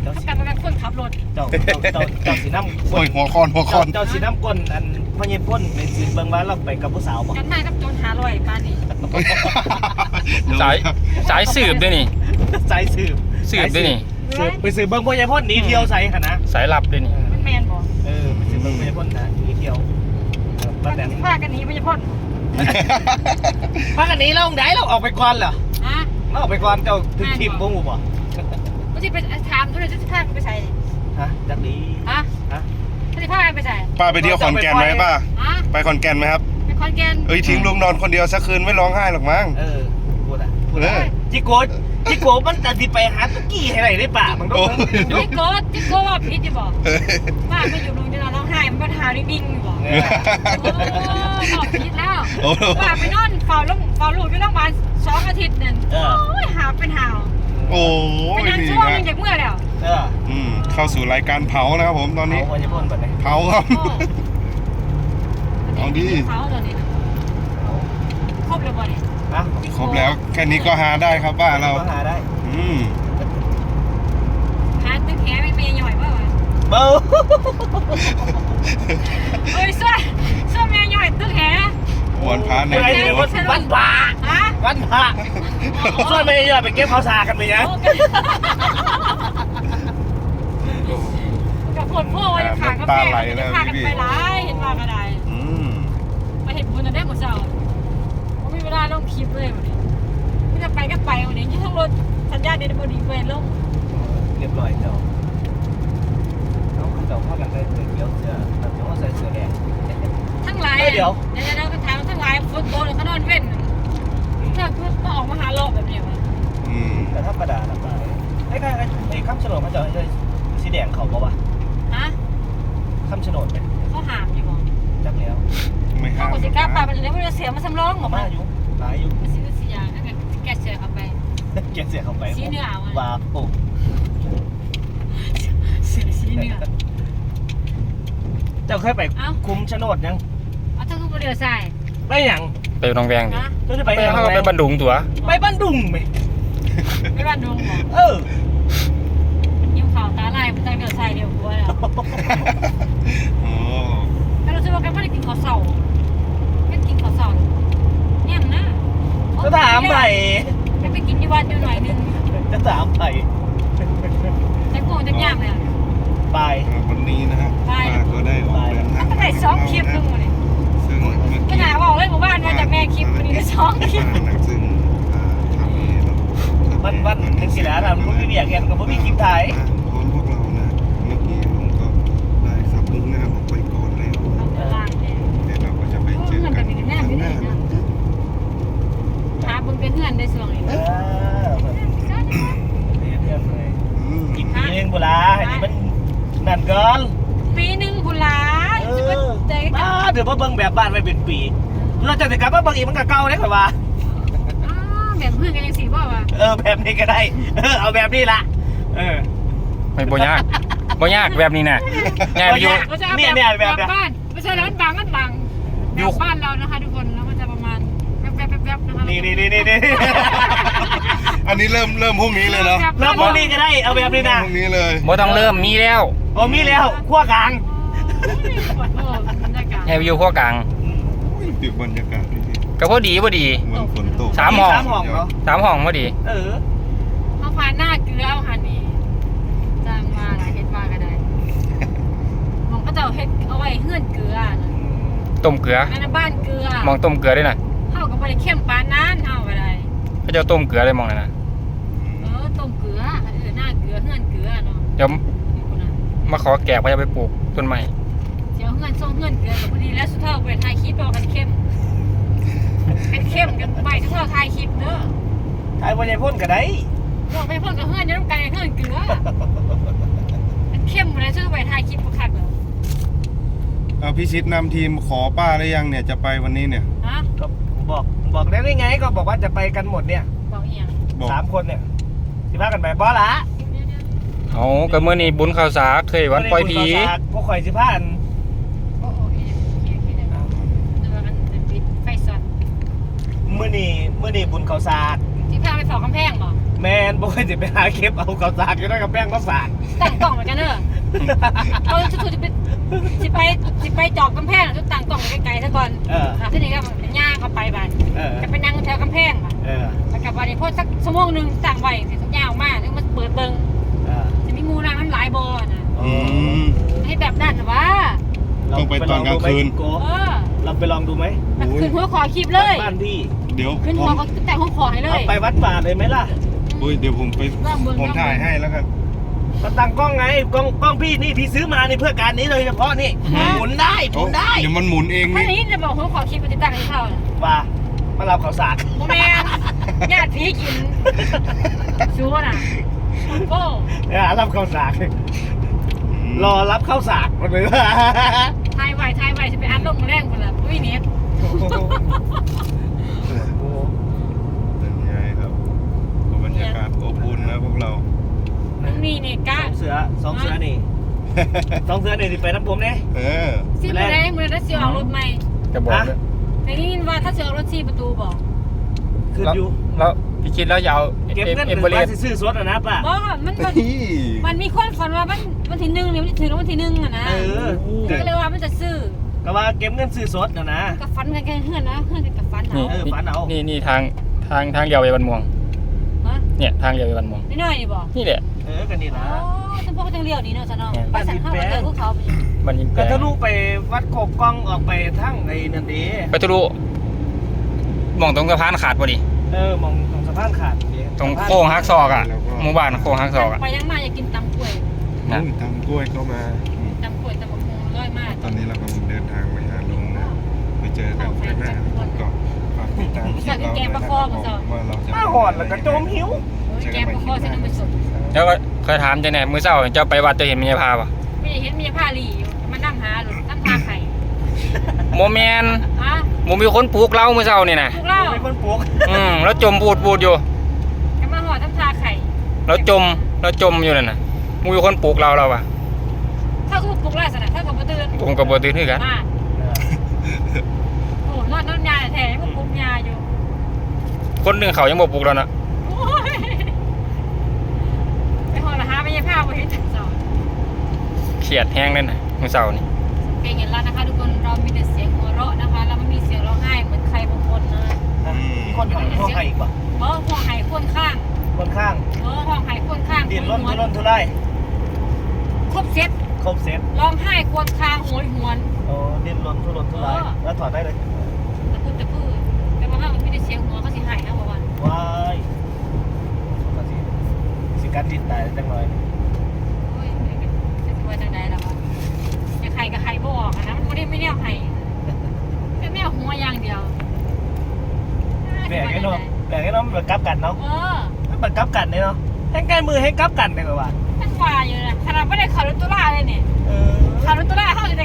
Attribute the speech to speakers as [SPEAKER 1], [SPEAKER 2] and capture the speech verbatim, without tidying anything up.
[SPEAKER 1] จ้าสีกันเป็นคนขับรถเจ้าเจ้าเจ้าเจ้าสีน้ำ
[SPEAKER 2] โอ้ยหัวคอนหัวคอน
[SPEAKER 1] เจ้าสีน้ำก้นอันพ่อเย็นพ่นในสีเบิ่งว่าเราไปกับผู้สาวบ่กันได้กับโจรหาลอยปานนี้
[SPEAKER 3] สายสายสืบด้วยนี่
[SPEAKER 1] สายสืบ
[SPEAKER 3] สืบด้วยนี่
[SPEAKER 1] สืบไปสืบเบิ่งพ่อเย็นพ่นหนีเที่ยวใส่ขนาด
[SPEAKER 3] สายลับด้วยนี่
[SPEAKER 1] มันแมนบ่เออไปสืบเบิ่งพ่อเย็นพ่นนะหนีเที่ยวป้าแตนพากันหนีพ่อเย็นพ่นพากันหนีเราไหนเราออกไปก่อนเหรอฮะเราออกไปก่อนเจ้าถึงทีมบ่งูบ่ไม่ใช่ไปถามทุกเรื่องจะพาไปใส่ฮะจักดีฮะฮะจะพาไปใส่
[SPEAKER 2] ป้าไปเที่ยวขอนแก่นไหมป้าไปขอนแก่นไหมครับ
[SPEAKER 1] ไปขอนแก่น
[SPEAKER 2] เอ้ยทิ้งลุงนอนคนเดียวสักคืนไม่ร้องไห้หรอกมั้ง
[SPEAKER 1] เออพูดอ่ะพูดอ่ะจิโกะจิโกะมันจะดิไปหาตุ๊กกี้ให้ไหนได้ป่ะมันต้องจิโกะจิโกะว่าพิษจะบอกป้าไปอยู่โรงพยาบาลร้องไห้มันปัญหาดิ้งๆอยู่บอกโอ้บอกพิษแล้วป้าไปนอนเฝ้าลูกเฝ้าลูกอยู่โรงพยาบาลสองอาทิตย์นึงโอ้ยหาวเป็นหาว
[SPEAKER 2] โอ้
[SPEAKER 1] ยเป็นช่วงจากเมื่อแล้วเออ
[SPEAKER 2] อืมเข้าสู่รายการเผานะครับผมตอนนี้
[SPEAKER 1] เผาจะพ่นแบบไหน
[SPEAKER 2] เผาครับเอาดิ
[SPEAKER 1] เผาตอนนี้ครบเลยบ่เนี่ยฮะ
[SPEAKER 2] ครบแล้วแค่นี้ก็หาได้ครับป้าเรา
[SPEAKER 1] หาได้
[SPEAKER 2] อืม
[SPEAKER 1] หาตึ้งแขไม่เมย์หน่อยป่ะเบาเฮ้ยช่วยช่วยเมย์หน่อยตึ้งแข
[SPEAKER 2] วันพระใน
[SPEAKER 1] วันพระฮะวันพระช่วยเมย์หน่อยไปเก็บข้าวสารกันไปยังกับปวดพ่อจะขากับแม่จะขากันไปร้ายเห็นว่าก็ได้มาเห็นบุญจะได้หมดเจ้าไม่มีเวลาลงคลิปเลยวันนี้ไม่จะไปก็ไปวันนี้ที่ทั้งรถสัญญาณเดนบอดีเวรลงเรียบร้อยเจ้าน้องเจ้าเข้ากันได้เลยเดี๋ยวเสื้อแต่ว่าใส่เสื้อแดงทั้งหลายเดี๋ยวเดี๋ยวเราก็ถามทั้งหลายฝนตกเขานอนเว้นถ้าเขาออกมาหาโลกแบบนี้วะแต่ธรรมดาธรรมดาไอ้ไอ้ไอ้ข้ามฉลองเขาจะไอ้สีแดงเขาบอกว่าฮะข้ามฉลองเป็นเขาหามอยู่บ่จับแล้ว
[SPEAKER 2] ไม่ห้าม
[SPEAKER 1] เขาสิกล้าปาไปเลยไม่ได้เสียมาสำรองหรอกมาอยู่หลายอยู่สีสียางนั่นไงแกเสียเข้าไปแกเสียเข้าไปสีเนื้อว้าโอ้สีสีเนื้อเจ้าเคยไปคุ้มโฉนดยังเอาเจ้าคือเรือทรายไปยัง
[SPEAKER 3] ไปหนองแวงดิ
[SPEAKER 1] เจ้าจะไป
[SPEAKER 3] ไปเข้าไปบ้านดุงตัว
[SPEAKER 1] ไปบ้านดุงไหมไปบ้านดุงเหรอเออยิ้มขาวตาลายมันใจเรือทรายเดียวหัวแล้ว
[SPEAKER 2] โอ้
[SPEAKER 1] แต่เราจะบอกกันว่าได้กินข้าวเสาไม่กินข้าวเสาเนี่ยนะจะถามไปจะไปกินที่วัดอยู่หน่อยนึงจะถามไปจะโกงจะยากเลยไป
[SPEAKER 2] วันนี้นะฮะป้าก็ได้ออกเดินทาง
[SPEAKER 1] ตั้งแต่สองคลิปนึงเลย
[SPEAKER 2] ซึ่ง
[SPEAKER 1] ขนาดบอกเลยหมู่บ้านมาจากแม่คลิปวันนี้ได้สองคลิป
[SPEAKER 2] ซึ่งทำนี้
[SPEAKER 1] วันวันทั้งสี่แล้วเราพูดไม่เบียดกันกับพวกมีคลิปถ่าย
[SPEAKER 2] พร้อมพวกเรานะเมื่อกี้ลุงก็ได้ขับมุ่งหน้าออกไปก่อนแล้วเดี๋ยวเราก็จะไปเจอกันข้างหน้า
[SPEAKER 1] หาบึงไปเฮือนได้ส่วนอีกเออเพื่อนเลยอีกปีนึงบุลาอันนี้มันนั่นก่อนปีนึงบุลาเออเดี๋ยวมาเบิ่งแบบบ้านไปเป็นปีเราจะติดกับว่าบางอีมันก็เก่าได้ข่อยว่าแบบเพื่อนกันยังสีบ่าวะเออแบบนี้ก็ได้เออเอาแบบนี้ละเออ
[SPEAKER 3] ไม่บ่ยากบ่ยากแบบนี้นะง่ายไปอยู่
[SPEAKER 1] เนี่ยเนี่ยแบบบ้านไม่ใช่แล้วมันบางมันบางอยู่บ้านเรานะคะทุกคนแล้วมันจะประมาณแป๊บแป๊บแป๊บนะคะนี่นี่นี่นี่
[SPEAKER 2] อันนี้เริ่มเริ่มพรุ่งนี้เลยเนาะ
[SPEAKER 1] เริ่มพรุ่งนี้ก็ได้เอาแบบนี้นะ
[SPEAKER 2] พรุ่งนี้เลย
[SPEAKER 3] บ่ต้องเริ่มมีแล้ว
[SPEAKER 1] โอ้มีแล้วขั้วกลาง
[SPEAKER 3] ง่ายไปอยู่ขั้วกลาง
[SPEAKER 2] ติดบรรยากาศ
[SPEAKER 3] ก็พอดีพอดี
[SPEAKER 2] ฝนตก
[SPEAKER 3] สามห้อง
[SPEAKER 1] สามห้องเนาะ
[SPEAKER 3] สามห้องพอดี
[SPEAKER 1] เออเขาพาหน้าเกลือเอาหันนี่จ้างมาหลายเฮ็ดมาก็ได้มองก็จะเฮ็ดเอาไว้เฮือนเกลือ
[SPEAKER 3] ต้มเกลือ
[SPEAKER 1] ในบ้านเกลือ
[SPEAKER 3] มองต้มเกลือได้น่ะ
[SPEAKER 1] เฮาก็บ่ได้เข้มปานนั้นเฮาก็ได้
[SPEAKER 3] เขาจะต้มเกลือได้มองนั่นน่ะ
[SPEAKER 1] เออต้มเกลือเออหน้าเกลือเฮือนเกลือเนาะ
[SPEAKER 3] เดี๋ยวมาขอแกะว่าจะไปปลูกต้นไม้
[SPEAKER 1] เดี๋ยวเฮือนส่งเฮือนเกลือก็พอดีแล้วสุดท้ายไปถ่ายคลิปเอากันเข้มเป็นเข้มกันไปทุกท่าถ่ายคลิปเด้อถ่ายวันยพ่นก็ได้บอกไปพ่นกับเฮือนจะต้องการเฮือนเกลือเป็นเข้มอะไรช่วยไปถ่ายคลิปประคักเลย
[SPEAKER 2] เอาพี่ชิดนำทีมขอป้าได้ยังเนี่ยจะไปวันนี้เนี่ย
[SPEAKER 1] ฮะก็บอกบอกได้ไงก็บอกว่าจะไปกันหมดเนี่ยบอกเอียงสามคนเนี่ยสิพากันไปบ่ละ
[SPEAKER 3] เอาก็เมื่อนี้บุญข่าวสากเคยวันปล่อยผี
[SPEAKER 1] พวกข่อยสิพาอันเมื่อนี่เมื่อนี่บุญเขาศาสตร์ที่พาไปสอบกำแพงเหรอแม
[SPEAKER 4] แมนบ่เคยจะไปหาเก็บเอาข้าวสากอยู่ด้วยกับแป้งข้าวสาก
[SPEAKER 1] ตั้งกล่องเหมือนกันเนอะเอาชุดจะไปสิไปสิไปจอกกำแพงชุดตั้งกล่องไกลๆซะก่อน
[SPEAKER 4] เออ
[SPEAKER 1] อ่ะที่นี่ก็เป็นย่างเข้าไปบ้าน
[SPEAKER 4] เออ
[SPEAKER 1] จะไปนั่งแถวกำแพงบ้าน
[SPEAKER 4] เออ
[SPEAKER 1] แล้วกลับบ้านนี่พอสักชั่วโมงหนึงสั่งไว้เสร็จสักย่างออกมาแล้วมันเปิดเบิ่ง
[SPEAKER 4] เออ
[SPEAKER 1] จะมีงูนางน้ำหลายบ่อน่ะ
[SPEAKER 2] อืม
[SPEAKER 1] ให้แบบนั้นน่ะวะ
[SPEAKER 2] ต้องไปตอนกลางคืน
[SPEAKER 4] โก
[SPEAKER 1] เออ
[SPEAKER 4] เราไปลองดูไหม
[SPEAKER 1] แบบขึ้นหัวขอคลิปเลย
[SPEAKER 4] บ้านพี่
[SPEAKER 2] เดี๋ยว
[SPEAKER 1] ขึ้น
[SPEAKER 2] ผ
[SPEAKER 1] หัว
[SPEAKER 2] ม
[SPEAKER 1] ก็แต่หัวขอให้เล
[SPEAKER 4] เอา
[SPEAKER 1] ย
[SPEAKER 4] ไปวัดป่าเลยไหมล่ะ
[SPEAKER 2] อุ้ยเดี๋ยวผมไป
[SPEAKER 1] ลองเบิ่ง
[SPEAKER 2] ผมถ่ายให้แล้วกัน
[SPEAKER 4] ก็ตั้งกล้องไงกล้องกล้องพี่นี่พี่ซื้อมานี่เพื่อการนี้โดยเฉพาะนี่หมุนได้หมุนได้
[SPEAKER 2] เดี๋ยวมันหมุนเอง
[SPEAKER 1] ถ้า
[SPEAKER 2] นี่
[SPEAKER 1] นี้จะบอกหัวขอคลิปไปติดตั้งให้เขาน่ะ
[SPEAKER 4] ว่ามารับข้าวสาก
[SPEAKER 1] โมแมนญาติพี่กินชัวน่ะโก้
[SPEAKER 4] เออรับข้าวสากรอรับข้าวสากมาเลย
[SPEAKER 1] ทายไวทายไวจะไปอัดลงแรงคนละอุ้ยเน็ต
[SPEAKER 2] เป็นไงครับบรรยากาศอบอุ่นนะพวกเรา
[SPEAKER 1] มึงนี่เนี่ยกะ
[SPEAKER 4] สองเสือสองเสือนี่สองเสือนี่ที่ไปน้ำผมเนี่ย
[SPEAKER 2] เออ
[SPEAKER 1] ซีประเด็นมึงได้เสียออกรถใหม่
[SPEAKER 3] จะบอกเลย
[SPEAKER 1] แต่นี่ว่าถ้าเสียออกรถซีประตูบอก
[SPEAKER 4] คือ
[SPEAKER 3] แล้ว
[SPEAKER 4] อยู่
[SPEAKER 3] แล้วพี่คิดแล้วจะเอา
[SPEAKER 4] เก็บเงิน
[SPEAKER 3] เอ็ม
[SPEAKER 4] ห
[SPEAKER 3] เบ
[SPEAKER 4] รือ
[SPEAKER 3] เร
[SPEAKER 4] ว่า
[SPEAKER 3] ส
[SPEAKER 4] ซื้อสดอะนะป้า
[SPEAKER 1] บอกว่ามันมัน
[SPEAKER 2] นี่
[SPEAKER 1] มันมีคนฝันว่ามันวันที่หนึ่งเนี่ยมันจะถึงวันที่หนึ่งอะนะ
[SPEAKER 4] เออ
[SPEAKER 1] ก็เลยว่ามันจะซื้อ
[SPEAKER 4] ก็ว่าเก็บเงินซื้อสดนะนะ
[SPEAKER 1] กับฟันกันแค่เฮือนนะเฮือนกันกับฟัน
[SPEAKER 3] นี่
[SPEAKER 1] เอา
[SPEAKER 4] เออฝันเอา
[SPEAKER 3] นี่นี่ทางทางทางเดียวไปบันม่วง
[SPEAKER 1] ฮะ
[SPEAKER 3] เนี่ยทางเดียวไปบันม่วง
[SPEAKER 1] น้อยๆนี่บอก
[SPEAKER 3] นี่แหละ
[SPEAKER 4] เออกันนี่
[SPEAKER 1] อ๋
[SPEAKER 4] นะ
[SPEAKER 1] อฉันพวกจังเลี้ยวนี่เนาะฉันเนาะไปสั่งข้าวมาเจอพวกเขาไป
[SPEAKER 3] มันยิงแปล
[SPEAKER 4] ก็
[SPEAKER 3] ง
[SPEAKER 4] ทะลุไปวัดโคกกล้องออกไปทั้งไอ้นั่นดี
[SPEAKER 3] ไปทะลุมองตรงสะพานขาดพอดี
[SPEAKER 4] เออมองตรงสะพานขาดนี่
[SPEAKER 3] ตรงโค้งฮักซอกอ่ะหมู่บ้านโค้งฮักซอกอ่ะ
[SPEAKER 1] ไปยังมาอยากกินตำกล้วย
[SPEAKER 3] นะ
[SPEAKER 2] อุ้ยตำกล้วยเข้ามาอืม
[SPEAKER 1] ตำกล้วยตำบักหุ่งร้อยมาก
[SPEAKER 2] ตอนนี้เรากำลังเดินทางไปหาลุงนะไปเจอกันข้างหน้าก็ฝากติดตามคลิปเราด้วยนะครับว่าเราจะ
[SPEAKER 4] มาหอดแล้วก็จมหิว
[SPEAKER 1] แกงปลาคอเส้นน้ำมันสด
[SPEAKER 3] แล้วก็เคยถามจะไหนมือเศร้าเจ้าไปวัดจะเห็นมีพาปะ
[SPEAKER 1] ไม่ได้เห็นมีผ้าหลีอยู่มานั่งหาหรือนั่งพาไข่
[SPEAKER 3] โมแมน
[SPEAKER 1] ฮะ
[SPEAKER 3] โมมีคนปลูกเล้ามือเศร้านี่นะ
[SPEAKER 1] พวกเรา
[SPEAKER 4] เป็นคนปลูก
[SPEAKER 3] อืมแล้วจมปูดปูดอยู่
[SPEAKER 1] จะมาห่อทั้งพาไข่
[SPEAKER 3] แล้วจมแล้วจมอยู่นั่นน่ะมูมีคนปลูกเราเราปะ
[SPEAKER 1] ถ้าคือปลุกไล่สนะถ้ากับมาตื่น
[SPEAKER 3] ผมกับบตื่นคือกัน
[SPEAKER 1] มาโอ้นอนนอนยาแท้ยังปลุกยาอยู่
[SPEAKER 3] คนหนึ่งเขายังบ่ปลูกแล้วนะ
[SPEAKER 1] โอ้ยไปห่อละหาไม่ใช่ผ้าไปเห็นจังสอน
[SPEAKER 3] เขียดแห้งเลยนะมือเศร้านี่
[SPEAKER 1] เป็นอย่างนั้นนะคะทุกคนเรามีแต่เสียงหัวเราะนะคะเราไม่มีเสียงร้องไห้เหมือนใครบางคนนะ
[SPEAKER 4] มีคนหอยห้องไห้อีกป่ะ
[SPEAKER 1] เออห่อไห้คนข้าง
[SPEAKER 4] คนข้าง
[SPEAKER 1] เออห่อไห้คนข้าง
[SPEAKER 4] ดินร่น
[SPEAKER 1] หั
[SPEAKER 4] ทุ
[SPEAKER 1] ว
[SPEAKER 4] รนทุราย
[SPEAKER 1] ครบเซ็ต
[SPEAKER 4] ครบเซ็ต
[SPEAKER 1] ร้องไห้ควนคางโหยหวน
[SPEAKER 4] โอ้ดินร่นทุรนทุรายแล้วถอดได้เลย
[SPEAKER 1] ตะพูดตะพูดแต่ว่าถ้ามันไม่ได้เสียงหัวเขาสิหายนะบอกว่า
[SPEAKER 4] ว้ายก็สิสิการดินตายจังเลย
[SPEAKER 1] โอ้ยจะสิว่าจังใดล่ะวะจะไข่กับไข่บ่ออกอะนะมันไม่ได้ไม่แนวไข่แค่แนวหัวอย่างเดียว
[SPEAKER 4] แบกไอ้น้องแบกไอ้น้องแบบกลับกันเนาะ
[SPEAKER 1] เออ
[SPEAKER 4] มันแบบกลับกันเนี่ยเนาะให้ใกล้มือให้กลับกันเลยกว่า
[SPEAKER 1] ตั้งว่าอยู่นะขนาดไม่ได้ขับรถตุลาเลยเนี่ย
[SPEAKER 4] เออ
[SPEAKER 1] ขับรถตุลาเขาจะ